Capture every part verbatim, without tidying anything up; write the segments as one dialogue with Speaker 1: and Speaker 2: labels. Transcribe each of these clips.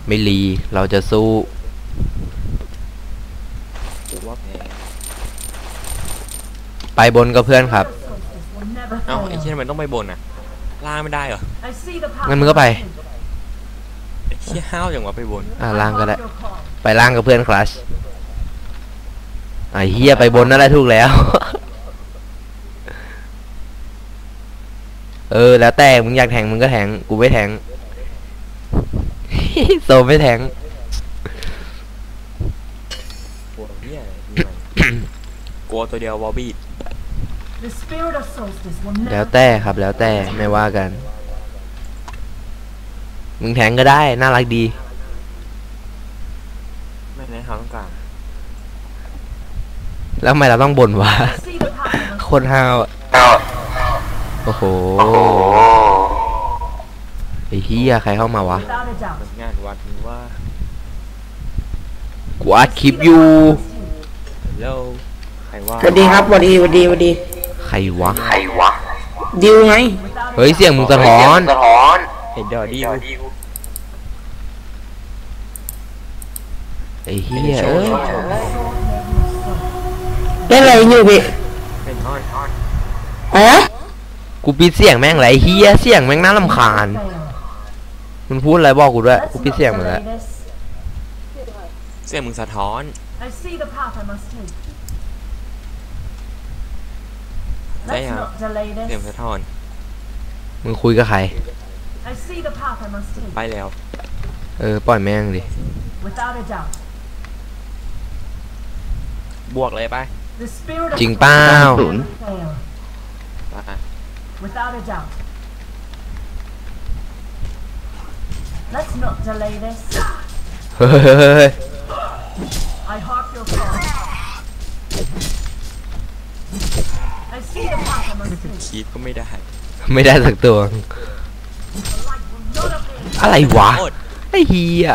Speaker 1: ไม่รีเราจะสู้
Speaker 2: ว่าแพ้
Speaker 1: ไปบนกับเพื่อนครับ
Speaker 2: เอ้าไอ้เชี่ยมันต้องไปบนอ่ะล่างไม่ได้เหรอ
Speaker 1: งั้นมึงก็ไป
Speaker 2: ไอ้เชี่ยห้าวอย่างว่าไปบน
Speaker 1: อ่าล่างก็ได้ไปล่างกับเพื่อนคลัชไอ้เฮียไปบนนั่นแหละถูกแล้ว เออแล้วแต่มึงอยากแทงมึงก็แทงกูไม่แทง โซไม่แทง
Speaker 2: กลัวเหี้ยกลัวตัวเดียววอลบี้
Speaker 1: แล้วแต่ครับแล้วแต่ไม่ว่ากันมึงแทงก็ได้น่ารักดี
Speaker 2: ไม่ในเขาต้องการ
Speaker 1: แล้วทำไมเราต้องบ่นวะ โคตรห้าวโอ้โหไอ้เหี้ยใครเข้ามาวะ
Speaker 2: งานวัดนี้ว่า
Speaker 1: กูอัดคลิปอยู่
Speaker 2: แล้วใครว่า
Speaker 3: สวัสดีครับสวัสดีสวัสดีสวัสดี
Speaker 1: ใครวะ
Speaker 2: ใครวะ
Speaker 3: ดิวไง
Speaker 1: เฮ้ยเสียงมึงสะท้อน
Speaker 2: เห็นเดอดิว
Speaker 1: ไอ้เหี้ยเอ้ย
Speaker 3: เล่นอะไรอยู่พี่
Speaker 2: เป็นฮอน
Speaker 3: อะไรนะ
Speaker 1: กูปิดเสียงแม่งไรเหี้ยเสียงแม่งน่ารำคาญมึงพูดอะไรบอกกูด้วยกูปิดเสียงหมดแล้ว
Speaker 2: เสียงมึงสะท้อนใช่ครับเสียงสะท้อน
Speaker 1: มึงคุยกับใคร
Speaker 2: ไปแล้ว
Speaker 1: เออปล่อยแม่งดิ
Speaker 2: บวกเลยไป
Speaker 1: จริงเปล่า
Speaker 4: Without a doubt. Let's not delay this.
Speaker 1: เฮ้ย
Speaker 4: I hark your call. I see the path I must take.
Speaker 2: คีบก็ไม่ได้
Speaker 1: ไม่ได้สักตัวอะไรวะไอ้เหี้ย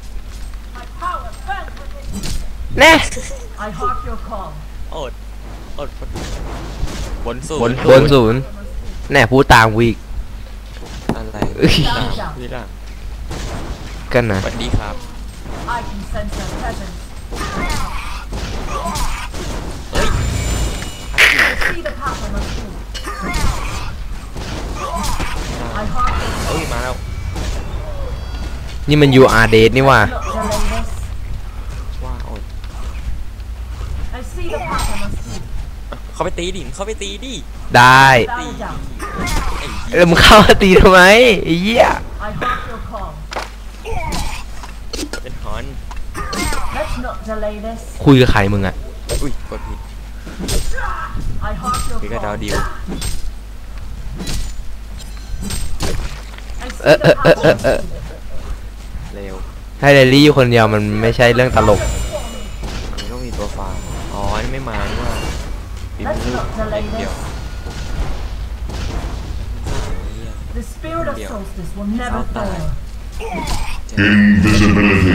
Speaker 1: แน่
Speaker 4: I hark your call.
Speaker 2: อดอดบนศูนย์
Speaker 1: บนศูนย์แน่พูดตามวีก
Speaker 2: อะไรนี่ล่ะ
Speaker 1: กันนะ
Speaker 2: สวัสดีครับเฮ้ยเฮ้ยมาแล้ว
Speaker 1: นี่มัน ยู อาร์ Dead นี่ว่า
Speaker 2: ว่าอดเขาไปตีดิเขาไปตีดิ
Speaker 1: ได้แล้วมึงเข้ามาตีทำไมไอ้เหี้ย
Speaker 2: เป็นฮอน
Speaker 1: คุยกับใครมึงอ่ะ
Speaker 2: อุ้ยกดผิดพี่ก็ดาวดิว
Speaker 1: เออเออเออเออเออ
Speaker 2: เร็ว
Speaker 1: ให้เรลลี่อยู่คนเดียวมันไม่ใช่เรื่องตลก
Speaker 2: มันต้องมีตัวฟาร์มอ๋อนี่ไม่มานี่ว่าปีมือเดียว
Speaker 4: The spirit of solstice will never fail.
Speaker 5: Invisibility.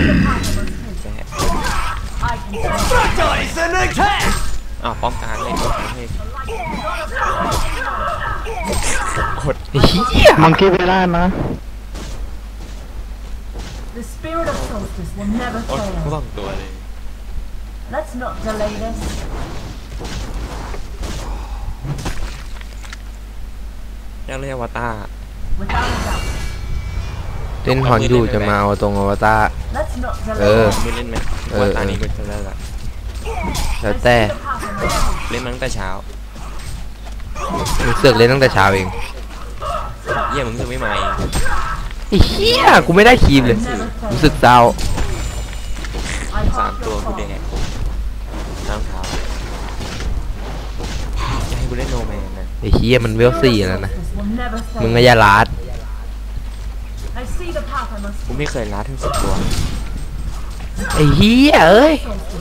Speaker 2: อ้าวป้อมกลางเลยกดเลยกด
Speaker 1: เหี้ย
Speaker 3: มังคีไปได้นะ
Speaker 4: The spirit of solstice will never
Speaker 2: อด
Speaker 4: fail.
Speaker 2: สองตัวเลย
Speaker 4: Let's not delay this.
Speaker 2: ยังเรียกว่าตา
Speaker 1: เล่นฮอนอยู่จะมาเอาตรงอวตารเออ
Speaker 2: ไม่เล่นไหมว่าตานี้ก็จะเลิกละ
Speaker 1: แล้วแต่
Speaker 2: เล่นมาตั้งแต่เช้า
Speaker 1: มึงเสือกเล่นตั้งแต่เช้าเอง
Speaker 2: เยี่ยมึงคือไม่มาเอง
Speaker 1: ไอ้เหี้ยกูไม่ได้คีมเลยรู้สึกเศร้า
Speaker 2: สามตัวกูแดงน้ำเท้าจะให้กูเล่นโนแมนนะ
Speaker 1: ไอ้เหี้ยมันเวลสี่แล้วนะมึงก็อย่าลาด
Speaker 2: กูไม่เคยลัดทั้งสิบตัว
Speaker 1: ไอ้เหี้ยเอ้ย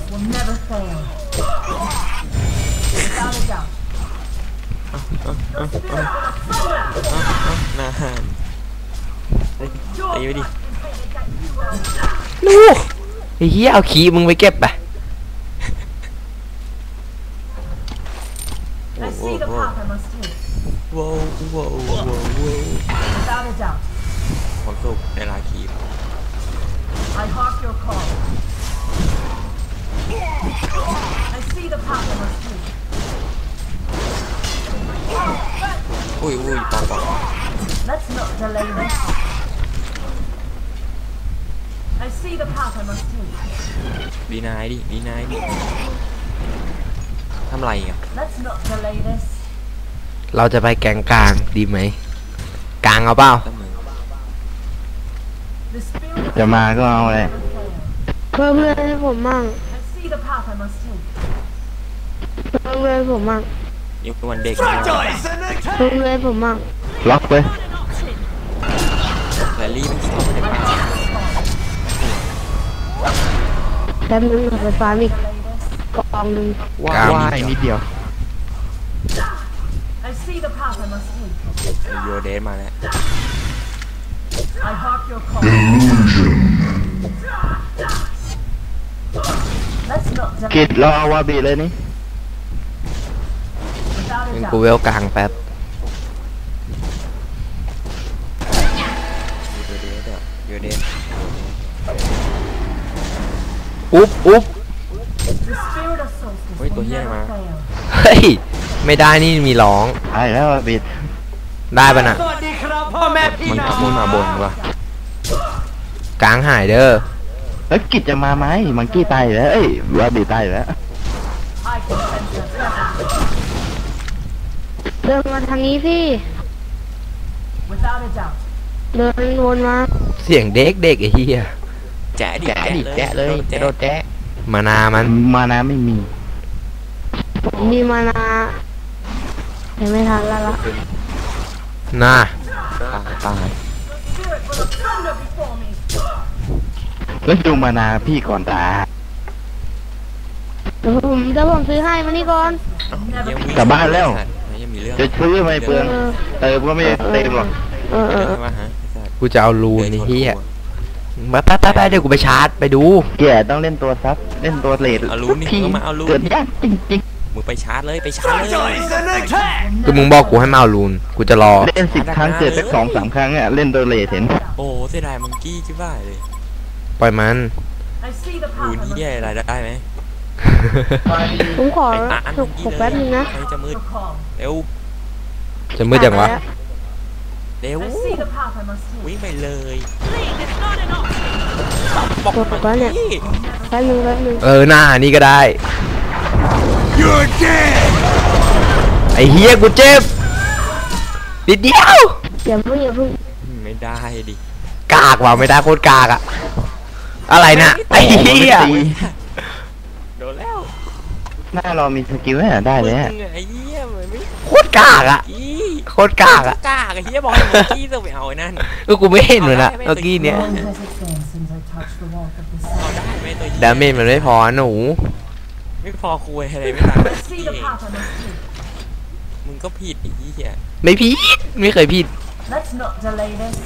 Speaker 2: นาฮันตีไปดิ
Speaker 1: ลูกไอ้เหี้ยเอาขี้มึงไปเก็บไป
Speaker 2: โว้โว้โว้โว้โว้โว้ความสุขในลาคีบ
Speaker 4: your call. I see the path I must take.
Speaker 2: อุ้ยอุ้ยปองปอง
Speaker 4: Let's not delay this. I see the path I must take.
Speaker 2: ดีนายดิดีนายดิทำไรอ่ะ
Speaker 4: Let's not delay this.
Speaker 1: เราจะไปแกงกลางดีไหมกลางเอาเปล่า
Speaker 2: ตั้งมือ
Speaker 4: The spirit of
Speaker 3: จะมาก็เอาเลย
Speaker 4: never fails.
Speaker 5: เพิ่มเพื่อนให้ผมมั่ง
Speaker 4: I see the path I must take.
Speaker 5: เพิ่มเพื่อนให้ผมมั่ง
Speaker 2: ยังเป็นวันเด็ก
Speaker 5: เพิ่มเพื่อนให้ผมมั่ง
Speaker 3: ล็อกไป
Speaker 2: แรลลี่มันเข้าไปในป่า
Speaker 5: แป๊บนึงขอไฟฟ้ามี
Speaker 4: Delay this.
Speaker 5: กองหนึ่ง
Speaker 2: ว้า
Speaker 1: กลาง
Speaker 3: ว่ายนิดเดียว
Speaker 4: I see the path I must take.
Speaker 2: โยเดนมาแล้ว
Speaker 4: I hark your call. Let's not
Speaker 3: กิ
Speaker 4: delay
Speaker 3: ดรอวาบีเลยนี่
Speaker 4: without
Speaker 1: งั้
Speaker 4: a
Speaker 1: นกูเว
Speaker 4: doubt.
Speaker 1: ลกลางแป๊บ
Speaker 2: โยเดนอ่ะโยเดน
Speaker 1: อุ๊บอุ๊บ
Speaker 4: The spirit of solstice
Speaker 2: Ôi,
Speaker 4: will
Speaker 2: tôi
Speaker 4: never
Speaker 2: nghe mà.
Speaker 4: fail.
Speaker 1: เฮ้ยไม่ได้นี่มีร้อง
Speaker 3: ใช่แล้ววาบี
Speaker 1: ได้ปะน่ะ
Speaker 2: มันขับมุ่งมาบนว่ะ
Speaker 1: กลางหายเด้อ
Speaker 3: แล้วกิดจะมาไหมมังกี้ตายอยู่แล้วเอ้ยวาบีตายอยู่แล้ว
Speaker 4: I can sense their presence.
Speaker 5: เดินมาทางนี้สิ
Speaker 4: Without a doubt.
Speaker 5: เดินวนมา
Speaker 1: เสียงเด็กเด็กไอ้เหี้ย
Speaker 2: แจ๊ะดิ
Speaker 3: แจ๊ะดิแจ๊ะเลยจะโดนแจ๊ะ
Speaker 1: มานามัน
Speaker 3: มานะไม่มี
Speaker 5: ผมมีมานายังไม่ทันแล้วละ
Speaker 1: น่า
Speaker 2: ตายตาย
Speaker 4: Spirit will have thunder before me.
Speaker 3: แล้วดูมานาพี่ก่อนตา
Speaker 5: เดี๋ยวผมเดี๋ยวผมซื้อให้มานี่ก่อน
Speaker 2: ยังมี
Speaker 3: กลับบ้านแล้ว
Speaker 2: ยังมีเรื่อง
Speaker 3: จะซื้อไม่เปลืองเติมก็ไม่เต็มหรอก
Speaker 5: เออเออ
Speaker 2: เรื่องว่าฮะไอ้สัตว์
Speaker 1: กูจะเอารูนไอ้เหี้ยมาแป๊บแป๊บแป๊บเดี๋ยวกูไปชาร์จไปดู
Speaker 3: แกต้องเล่นตัวซับเล่นตัวเลด
Speaker 2: เอารูนี่
Speaker 3: พี่
Speaker 2: ก็มาเอารู
Speaker 3: เกิด
Speaker 2: นี่
Speaker 3: ยากจริง
Speaker 2: มึงไปชาร์จเลยไปชาร์จเลย
Speaker 1: คือมึงบอกกูให้มาเอารูนกูจะรอ
Speaker 3: ๆเล่นสิบครั้งเกิดสักสองสามครั้งเนี่ยเล่นตัวเลดเห็น
Speaker 2: โอ้เสียดายมังกี้ชิบ้าเลย
Speaker 1: ปล่อยมัน
Speaker 4: I see the
Speaker 2: รู
Speaker 4: path I
Speaker 2: นี่
Speaker 4: must
Speaker 2: แย่อะไร
Speaker 4: take.
Speaker 2: ได้ไหม
Speaker 5: ผมขอ
Speaker 2: ไอ้ตาอัน
Speaker 5: ถ
Speaker 2: มั
Speaker 5: ก
Speaker 2: ง
Speaker 5: ถ
Speaker 2: กี้
Speaker 5: ก
Speaker 2: เล
Speaker 5: แป๊บนึงนะ
Speaker 2: ใครจะมืด
Speaker 4: Your call.
Speaker 2: เร็ว
Speaker 1: จะมืดจังวะ
Speaker 2: เร็ว
Speaker 4: I see the path I must take.
Speaker 2: วิ่งไปเลย
Speaker 5: ถกแล้วเนี่ยแป๊บนึงแป๊บนึง
Speaker 1: เออหน้านี่ก็ได้ ไอ้เฮียกูเจ็บนิดเดียว
Speaker 5: อย่าเพิ่งอย่าเพิ่ง
Speaker 2: ไม่ได้ดิ
Speaker 1: กากว่ะไม่ได้โคตรกากอะอะไรน่ะไอ้เฮีย
Speaker 2: โดนแล้ว
Speaker 3: หน้าเรามีสกิลเนี่ยได้เลย
Speaker 2: มึงอะไอ้เหี้ยมันไม่
Speaker 1: โคตรกากอะ
Speaker 2: อี
Speaker 1: โคตรกากอะ
Speaker 2: กากไอ้เหี้ยบอกให้มังกี้ต้องไปเอาไอ้นั่น
Speaker 1: เออกูไม่เห็นเลยนะเมื่อกี้เนี้ย
Speaker 4: Long has it been since I touched the walk of the
Speaker 2: เอา
Speaker 4: sun.
Speaker 2: ได้ไหมตัวเหี้ย
Speaker 1: ดาเมจมันไม่พอหนู
Speaker 2: ไม่พอคุยอะไรไม่ตัด
Speaker 4: I see the path I must take.
Speaker 2: มึงก็ผิดไอ้เหี้ย
Speaker 1: ไม่ผิดไม่เคยผิด
Speaker 4: Let's not delay this.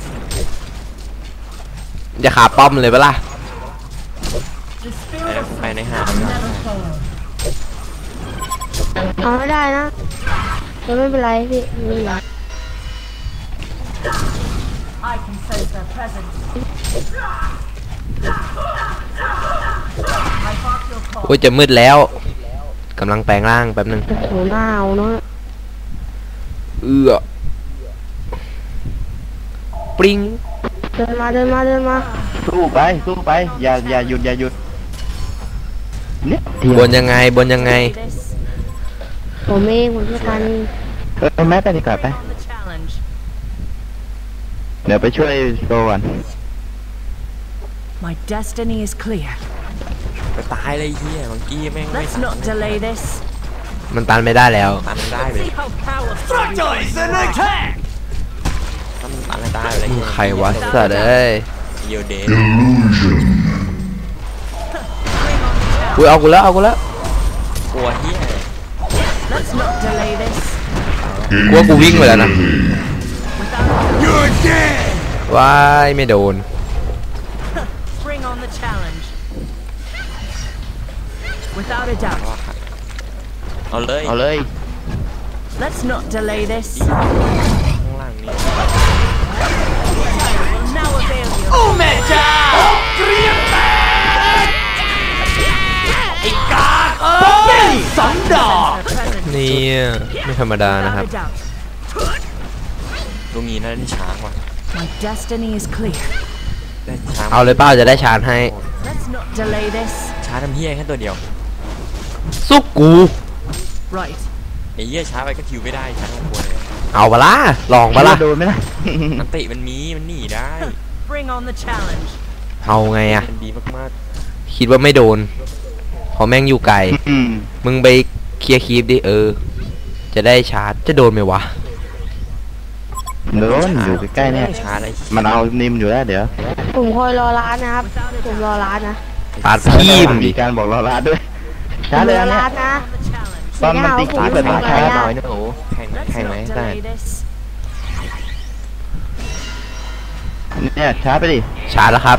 Speaker 1: จะขาป้อมเลยปะล่ะ
Speaker 4: The spirit of
Speaker 2: ไปในหา
Speaker 4: solstice will never fail.
Speaker 5: เอาไม่ได้นะแต่ไม่เป็นไรพี่ไม่เป็นไร
Speaker 4: I can sense their presence. I hark your
Speaker 1: โอ้ย
Speaker 4: call.
Speaker 1: จะมืดแล้วกำลังแปลงร่างแป๊บนึง
Speaker 5: โอ้โหหน้าเอาเนาะ
Speaker 1: เอื้อปริง
Speaker 5: เดินมาเดินมาเดินมา
Speaker 3: สู้ไปสู้ไปอย่าอย่าหยุดอย่าหยุดเนี่ยเดียว
Speaker 1: บนยังไงบนยังไง
Speaker 4: This
Speaker 5: ผมเองผมจะกัน
Speaker 3: เออแม่ไปดีกว่าไป
Speaker 4: on the challenge.
Speaker 3: เดี๋ยวไปช่วยโซก่อน
Speaker 4: My destiny is clear.
Speaker 2: ไปตายเลยไอ้เหี้ยมังกี้แม่งไม่
Speaker 4: Let's
Speaker 2: ตัด
Speaker 4: not delay this.
Speaker 1: มันตันไม่ได้แล้ว
Speaker 2: ตันได้เลย
Speaker 4: See how powerful you are.
Speaker 2: ตันตันได้เลย
Speaker 1: ใครวะสัตว์เอ้ย
Speaker 2: เยียวเดน
Speaker 1: อุ้ยเอากูแล้วเอากูแล้ว
Speaker 2: กลัวเหี้ย
Speaker 4: Let's not delay this.
Speaker 1: กูว่ากูวิ่งไปแล้วนะ
Speaker 4: Without a doubt.
Speaker 1: ว้ายไม่โดน
Speaker 4: Bring on the challenge. Without a doubt.
Speaker 2: เอาเลย
Speaker 3: เอาเลย
Speaker 4: Let's not delay this.
Speaker 2: ข้างล่างนี่
Speaker 4: Will now avail you.
Speaker 1: ไม่ธรรมดานะครับ
Speaker 4: Without a doubt.
Speaker 2: ลุงนี้น่าเล่นช้างว่ะ
Speaker 4: My destiny is clear.
Speaker 2: เล่นช้าง
Speaker 1: เอาเลยเป้าจะได้ชาร์จให้
Speaker 4: Let's not delay this.
Speaker 2: ช้าทำเฮี้ยแค่ตัวเดียว
Speaker 1: สู้กู
Speaker 4: Right.
Speaker 2: ไอ้เฮี้ยช้าไปก็คิวไม่ได้ช้าทั้งตัวเลย
Speaker 1: เอาปะล่ะลองปะล่ะ
Speaker 3: โดนไหมล่ะ
Speaker 2: นันติมันมีมันหนีได้
Speaker 4: Bring on the challenge.
Speaker 1: เอาไงอะ
Speaker 2: มันดีมาก
Speaker 1: คิดว่าไม่โดนเพราะแม่งอยู่ไกล
Speaker 3: อืม
Speaker 1: มึงไปเคลียร์คีปดิเออ จะได้ชาร์จจะโดนไหมวะ
Speaker 3: โดนอยู่ใกล้ๆเนี่ย
Speaker 2: ๆช้าอะไร
Speaker 3: มันเอานิมอยู่แล้วเดี๋ยว
Speaker 5: ผมคอยรอร้านนะครับ ผมรอร้านนะ
Speaker 1: ปาดพีม
Speaker 3: มี
Speaker 1: ดิ
Speaker 3: การบอกเราลาด้วย
Speaker 5: ผ
Speaker 3: ช้าม เลย
Speaker 5: รอ
Speaker 3: อันเนี้ย
Speaker 5: ร้านนะ
Speaker 4: On the challenge.
Speaker 3: ตอนมันตีขาเปิดมาช้าหน่อยนะโอ้
Speaker 2: แข่ง
Speaker 4: Let's
Speaker 2: แข่งไหม
Speaker 4: not
Speaker 2: ได้
Speaker 4: delay this.
Speaker 3: เนี่ยช้าไปดิ
Speaker 1: ชาร์จแล้วครับ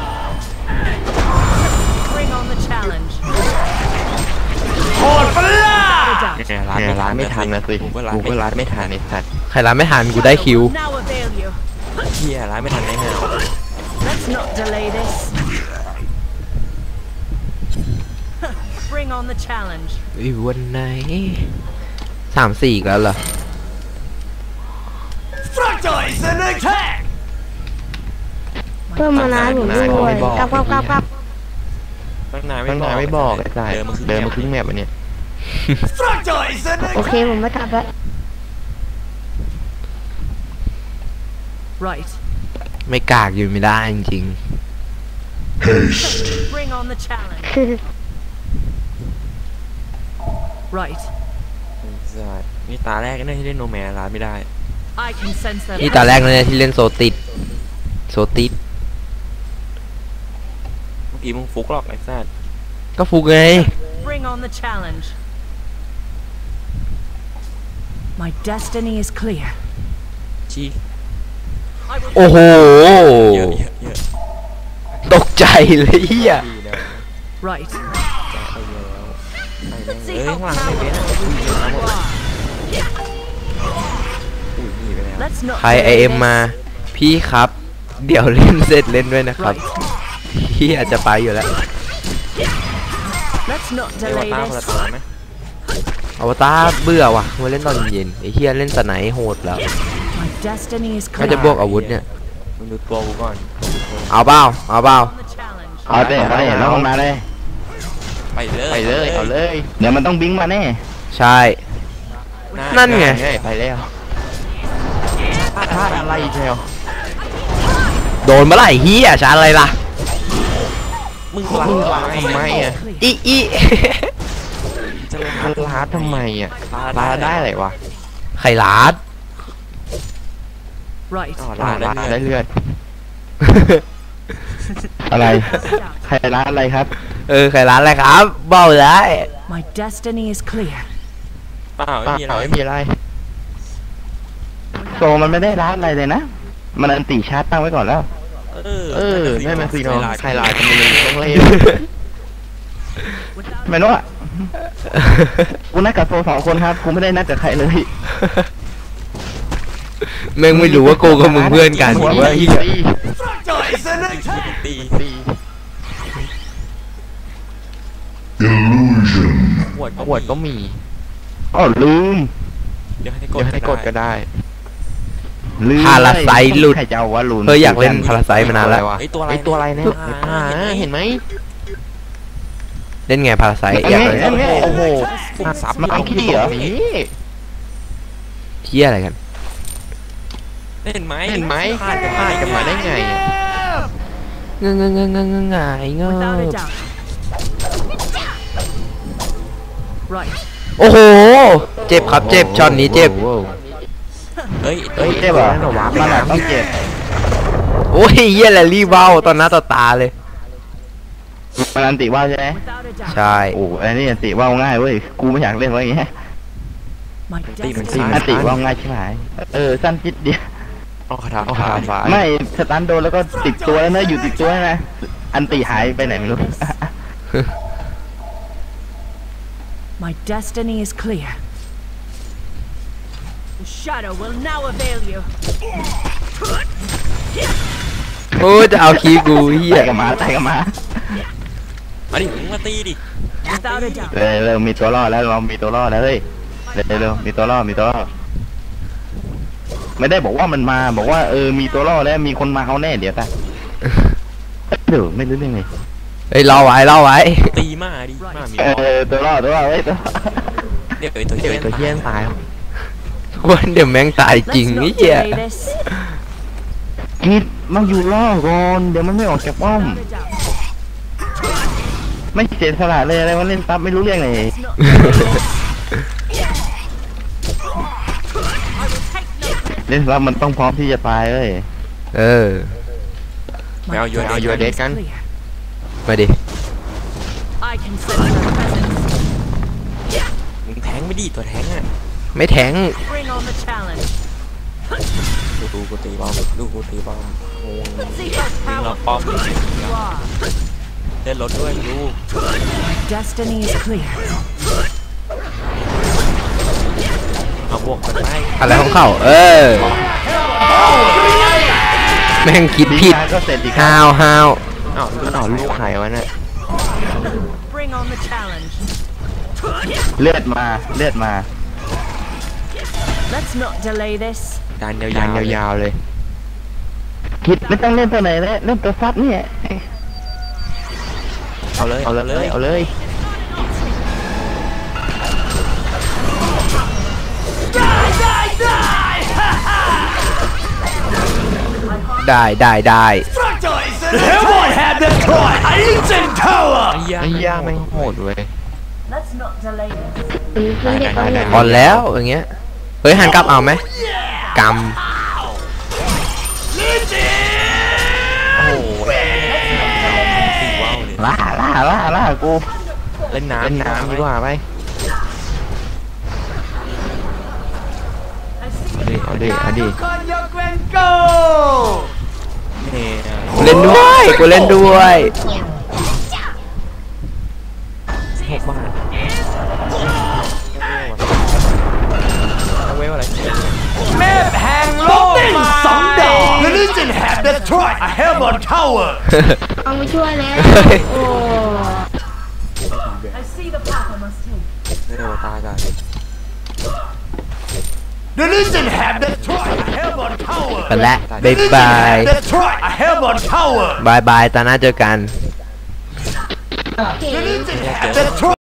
Speaker 4: Bring on the challenge. Without a doubt.
Speaker 2: เนี่ยร้าน
Speaker 3: เนี่ยร้านไม่ทันนะสิ
Speaker 2: กูก็ร้าน
Speaker 3: กูก็ร้าน
Speaker 2: ไม่
Speaker 3: ไม่ทันไอ้สัตว์
Speaker 1: ใครรับไม่ทันกูได้คิว
Speaker 4: Shadow will now avail you.
Speaker 2: เฮี้ยร้านไม่ทันได้ไง
Speaker 4: Let's not delay this. Bring on the challenge.
Speaker 1: อีวันไหนสามสี่อีกแล้วเหรอ
Speaker 5: เพิ่มมานะผมด้วยกลับกลับกลับกลับ
Speaker 2: ตั้งนาน
Speaker 3: ตั้งนานไม่บอกไอ้สัตว์
Speaker 2: เดินมา
Speaker 3: เดินมาครึ่งแมปอันเนี้ย
Speaker 5: โอเคผมไม่กลับแล้ว
Speaker 4: Right.
Speaker 1: ไม่กากอยู่ไม่ได้จริง
Speaker 4: Bring on the challenge. Right.
Speaker 2: นี่ตาแรกก็ได้ที่เล่นโนแมนร้านไม่ได้
Speaker 4: I can sense
Speaker 1: ๆ
Speaker 4: them.
Speaker 1: นี่ตาแรกเลยที่เล่นโซติดโซติด
Speaker 2: เมื่อกี้มึงฟุกหรอกไอ้สัส
Speaker 1: ก็ฟุกไง
Speaker 4: Bring on the challenge. My destiny is clear.
Speaker 2: ชี้
Speaker 4: I will
Speaker 1: โอ้โห
Speaker 2: เยอะเยอะเยอะ
Speaker 1: ตกใจเลยเฮีย
Speaker 2: ดีนะ
Speaker 4: right.
Speaker 2: ไปเยอะแล้วไป
Speaker 4: Let's
Speaker 2: เอ้
Speaker 4: see
Speaker 2: ย
Speaker 4: how
Speaker 2: ข้างหลังไม่เป็น
Speaker 4: powerful
Speaker 2: อุ้ย
Speaker 4: you are.
Speaker 2: อุ้ยหนีไปแล้ว
Speaker 4: Let's not
Speaker 1: ใครไอ
Speaker 4: delay
Speaker 1: เอ็ม
Speaker 4: this.
Speaker 1: มา พี่ครับ เดี๋ยวเล่นเสร็จเล่นด้วยนะครับ
Speaker 4: Right.
Speaker 1: พี่อาจจะไปอยู่แล้ว
Speaker 4: Let's not
Speaker 2: เอว
Speaker 4: delay
Speaker 2: ตาคนละ
Speaker 4: this.
Speaker 2: ตัวไหม
Speaker 1: อวตารเบื่อว่ะมาเล่นตอนเย็นไอเฮียเล่นสไนโหดแล้ว
Speaker 4: My destiny is
Speaker 1: ก็จะ
Speaker 4: clear.
Speaker 1: บวกอาวุธเนี่ย
Speaker 2: มึงดูตัวกูก่อน
Speaker 1: เอาเปล่าเอาเปล่า
Speaker 4: On the challenge.
Speaker 3: เอาเด้เอาเด้น้องมาเลย
Speaker 2: ไปเลย
Speaker 3: ไปเลยเอาเลย เดี๋ยวมันต้องบิงมาแน่
Speaker 1: ใช่ นั่นไง
Speaker 3: ไปแล้วพลาดอะไรเชียว
Speaker 1: โดนเมื่อไหร่เฮียชาร์จอะไรล่ะ
Speaker 2: มึงล้าง
Speaker 3: มึงล้างทำไมอ่ะ
Speaker 1: อีอี
Speaker 2: จะล้าง
Speaker 3: มันลาดทำไมอ่ะลาดได้อะไรวะ
Speaker 1: ไข่ลาด
Speaker 4: Right.
Speaker 2: ต่อ
Speaker 3: ลา
Speaker 2: ล้าง
Speaker 3: ด
Speaker 2: ได้
Speaker 3: ได้
Speaker 2: เลือด
Speaker 3: เลือด อะไร
Speaker 4: Without a doubt.
Speaker 3: ใครลาดอะไรครับ
Speaker 1: เออไข่ลาดอะไรครับเบาได้
Speaker 4: My destiny is clear.
Speaker 2: เปล่า
Speaker 3: เปล่า
Speaker 2: ไม่มีอะไร
Speaker 3: ไม่มีอะไรโซมันไม่ได้ลาดอะไรเลยนะ มันอันตีชาร์จตั้งไว้ก่อนแล้ว
Speaker 2: เออ
Speaker 3: เออนั่นมันสิน้องใครลาดกันเลยต้องเล่น
Speaker 4: Without
Speaker 3: ไม่รู้อ่ะกูนัดกับโซสองคนครับกูไม่ได้นัดกับใครเลย
Speaker 1: แม่งไม่รู้ว่ากูกับมึงเพื่อนกัน
Speaker 3: หัว
Speaker 1: ว่า
Speaker 3: ตี
Speaker 1: เหี้ย
Speaker 3: ตี
Speaker 2: ตี
Speaker 3: ตี
Speaker 2: ขวด
Speaker 3: ขวดก็มีอ๋อลืม
Speaker 2: เดี๋ยวให้ก
Speaker 3: เดี๋
Speaker 2: ด
Speaker 3: ยวให้กดก็
Speaker 2: ได้
Speaker 3: ได้ลืม
Speaker 1: พาราไซต์หลุด
Speaker 3: ใครจะเอาวะลุน
Speaker 1: เอออยากเล่นพาราไซต์มานานแล้ว
Speaker 2: ไอ้ตัวอะไร
Speaker 3: ไอตัวอะไรเนี่ย
Speaker 2: อ่า
Speaker 3: อ่าเห็นไหม
Speaker 1: เล่นไงพาราไซต์
Speaker 3: อัน
Speaker 1: อยาก
Speaker 3: นี้
Speaker 1: เล่น
Speaker 3: อันนี้โอ้โห
Speaker 2: ฟุกซับ
Speaker 3: มันเอาขี้เหรอนี่
Speaker 1: เที่ยอะไรกัน
Speaker 2: เห็นไหม
Speaker 3: เห็นไหม
Speaker 2: พลาดกัน
Speaker 3: พลาดกันมาได้ไงอะ
Speaker 1: เงงเงงเงงเงงเงงไงเง
Speaker 4: Without a
Speaker 1: ง
Speaker 4: doubt. Right.
Speaker 1: โอ้โห เจ็บครับเจ็บช็อตนี้เจ็บ
Speaker 3: โอ้โห
Speaker 2: เฮ้ย
Speaker 3: เฮ้ยเจ็บเหรอมันอะต้องเจ็บ
Speaker 1: โอ้ยเยี่ยแหละรีบเบ้าตอนหน้าต่อตาเลย
Speaker 3: มันอันติว่าวใช่ไหม
Speaker 4: Without a doubt.
Speaker 1: ใช่
Speaker 3: โอ้อันนี้อันติว่าวง่ายเว้ยกูไม่อยากเล่นไว้อย่างเงี้ย
Speaker 4: My
Speaker 3: อั
Speaker 4: destiny
Speaker 3: นติว่าวง่ายใช่ไหมเออสั้นจิดเดียว
Speaker 2: เอาคาถาเอาคาถา
Speaker 3: ไม่สตันโดนแล้วก็ติดตัวแล้วนะอยู่ติดตัวแล้วนะอันติหายไปไหนไม่รู้
Speaker 4: My destiny is clear. The shadow will now avail you.
Speaker 1: โอ้ยจะเอาคีย์กูเฮีย
Speaker 3: ตายกันมาตายกันมา
Speaker 2: มาดิมึงมาตีดิ
Speaker 4: Without a doubt.
Speaker 3: เออเรามีตัวรอดแล้วเรามีตัวรอดแล้วเฮ้ย
Speaker 4: My
Speaker 3: เร็วๆมีตัวล่อมีตัวล่อไม่ได้บอกว่ามันมาบอกว่าเออมีตัวล่อแล้วมีคนมาเอาแน่เดี๋ยวตาเดี๋ยวไม่รู้เรื่องไง
Speaker 1: เฮ้ยรอไว้รอไว้
Speaker 2: ตีมาดิมามี
Speaker 3: เออตัวล่อตัวล่อเฮ้ยตัว
Speaker 2: เดี๋ยวไอ้ตัวเหี้ย
Speaker 3: ตัวเฮี้ยนตาย
Speaker 1: วันเดี๋ยวแม่งตายจริง
Speaker 4: Let's
Speaker 1: นี่
Speaker 4: not
Speaker 1: เหี้ย
Speaker 4: delay this.
Speaker 3: กิดมาอยู่ล่อก่อนเดี๋ยวมันไม่ออกจากป้อม ไม่เสียสละเลยอะไรวะเล่นซับไม่รู้เรื่องเลย เล่นซับมันต้องพร้อมที่จะตายเลย
Speaker 1: เออ
Speaker 2: ไปเอายูเอายูเดสกัน
Speaker 1: มาดิ
Speaker 4: I can sense your presence.
Speaker 2: มึงแทงไม่ดีตัวแทงอ่ะ
Speaker 1: ไม่แทง
Speaker 4: Bring on the challenge.
Speaker 2: ดูดูกูตีบอมดูกูตีบอมโอ้ย
Speaker 4: Let's see how
Speaker 2: มึงเราป้อม
Speaker 4: powerful you are.
Speaker 2: เล่นรถด้วยดู
Speaker 4: Destiny is clear.
Speaker 2: เอาบวกกันไป
Speaker 1: อะไรของเขาเออ แม่งคิดผิด
Speaker 3: ก็เสร็จอีก
Speaker 1: ฮาวฮาว
Speaker 2: อ้าวอ้าวลูกใครวะเนี่ย
Speaker 4: Bring on the challenge.
Speaker 3: เลือดมาเลือดมา
Speaker 4: Let's not delay this.
Speaker 2: การยาวๆยาวๆเลย
Speaker 3: คิดไม่ต้องเล่นตัวไหนแล้วเล่นตัวซับเนี่ย
Speaker 2: เอาเลย
Speaker 3: เอาเลยเอาเลย
Speaker 1: ได้ได้ได้
Speaker 6: Everyone had that toy! I Ancient Tower!
Speaker 2: ไอ้ยา
Speaker 3: ไอ้ย่าแม่งโหดเว้ย
Speaker 4: Let's not delay this.
Speaker 5: คือคือเด็กเขาเนี่ย
Speaker 1: พอแล้วอย่างเงี้ย เฮ้ยหันกลับเอาไหมก
Speaker 2: โอ้โหตีว้าวเลย
Speaker 3: ล่าล่าล่าล่ากู
Speaker 2: เล่นน้ำ
Speaker 3: เล่นน้ำดีกว่าไป เอาดิเอาดิเอาดิ
Speaker 2: เนี่ย
Speaker 1: ำเล่นด้วยกูเล่นด้วย
Speaker 2: หกบาทเอาไว้ว่าอะไร
Speaker 6: Map hang low! Someday! The Legion have destroyed a Hellborn Tower!
Speaker 5: เอาไปช่วยแล้ว โอ้
Speaker 4: I see the path I must take.
Speaker 2: ไม่ได้ว่าตายกัน
Speaker 6: The Legion have destroyed a Hellborn Tower!
Speaker 1: ไปแล้ว
Speaker 6: The
Speaker 1: บ๊าย
Speaker 6: Legion
Speaker 1: บาย
Speaker 6: have destroyed a Hellborn Tower!
Speaker 1: บายบายตอนหน้าเจอกัน
Speaker 5: เก่ง
Speaker 6: The Legion have destroyed